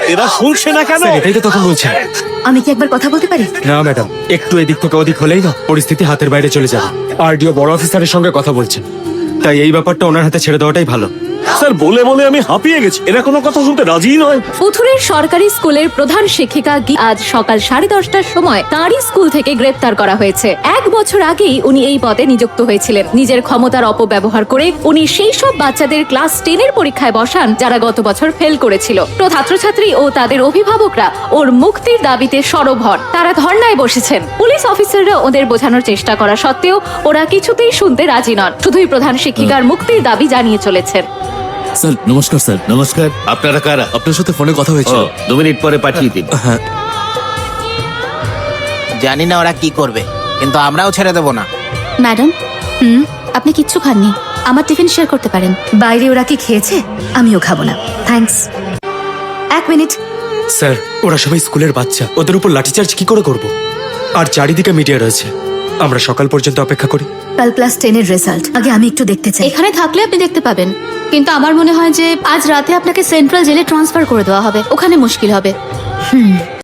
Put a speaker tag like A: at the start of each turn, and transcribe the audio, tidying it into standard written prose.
A: এরা শুনছে না কেন?
B: এটাই তো তখন বলছেন।
C: আমি কি একবার কথা বলতে পারি?
B: না ম্যাডাম, একটু এদিক থেকে ওদিক হলেই না পরিস্থিতি হাতের বাইরে চলে যাবে। আরডিও বড় অফিসারের সঙ্গে কথা বলছেন, তাই এই ব্যাপারটা ওনার হাতে ছেড়ে দেওয়াটাই ভালো।
A: স্যার বলে বলে আমি হাঁপিয়ে গেছি, এরা কোনো কথা শুনতে রাজিই নয়।
D: পুথুরের সরকারি স্কুলের প্রধান শিক্ষিকা আজ সকাল 10:30টার সময় তাঁরই স্কুল থেকে গ্রেপ্তার করা হয়েছে। 1 বছর আগেই উনি এই পদে নিযুক্ত হয়েছিলেন। নিজের ক্ষমতার অপব্যবহার করে উনি সেই সব বাচ্চাদের ক্লাস 10-এর পরীক্ষায় বসান যারা গত বছর ফেল করেছিল। তো ছাত্রছাত্রী ও তাদের অভিভাবকরা ওর মুক্তির দাবিতে সরব হন। তারা ধর্নায় বসেছেন। পুলিশ অফিসাররা ওদের বোঝানোর চেষ্টা করা সত্ত্বেও ওরা কিছুতেই শুনতে রাজি নন। শুধুই প্রধান শিক্ষিকার মুক্তির দাবি জানিয়ে চলেছেন।
E: স্যার নমস্কার। স্যার
F: নমস্কার। আপনারা কারা?
E: আপনার সাথে ফোনে কথা হয়েছিল।
F: 2 মিনিট পরে পাঠিয়ে দিন।
E: হ্যাঁ,
G: জানি না ওরা কি করবে, কিন্তু আমরাও ছেড়ে দেবো না।
C: ম্যাডাম, আপনি কিচ্ছু খাননি, আমার টিফিন শেয়ার করতে পারেন। বাইরে ওরা কি খেয়েছে? আমিও খাবো না, থ্যাঙ্কস। 1 মিনিট।
B: স্যার, ওরা সবাই স্কুলের বাচ্চা, ওদের উপর লাঠিচার্জ কি করে করব? আর চারিদিকে মিডিয়া রয়েছে, আমরা সকাল পর্যন্ত অপেক্ষা করি।
C: কাল ক্লাস 10-এর রেজাল্ট আগে আমি একটু দেখতে চাই।
H: এখানে থাকলে আপনি দেখতে পাবেন, কিন্তু আমার মনে হয় যে আজ রাতে আপনাকে সেন্ট্রাল জেলে ট্রান্সফার করে দেওয়া হবে, ওখানে মুশকিল হবে।